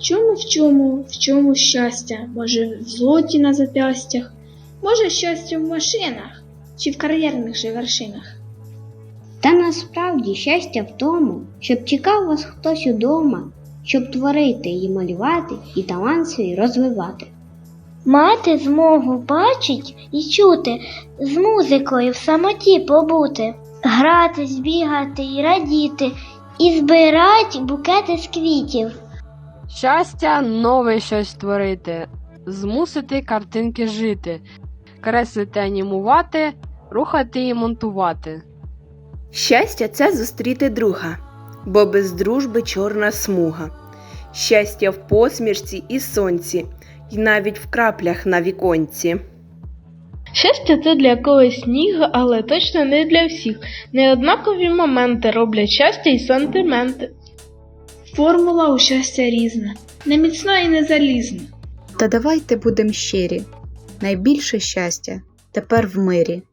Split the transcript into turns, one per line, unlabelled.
В чому щастя? Може, в злоті на зап'ястях? Може, щастя в машинах? Чи в кар'єрних же вершинах?
Та насправді щастя в тому, щоб чекав вас хтось удома, щоб творити і малювати, і талант свій розвивати.
Мати змогу бачить і чути, з музикою в самоті побути, гратись, бігати і радіти, і збирать букети з квітів.
Щастя нове щось творити, змусити картинки жити, креслити, анімувати, рухати і монтувати.
Щастя – це зустріти друга, бо без дружби чорна смуга. Щастя в посмішці і сонці, і навіть в краплях на віконці.
Щастя – це для когось сніг, але точно не для всіх. Неоднакові моменти роблять щастя і сантименти.
Формула у щастя різна, не міцна і не залізна.
Та давайте будем щирі. Найбільше щастя тепер в мирі.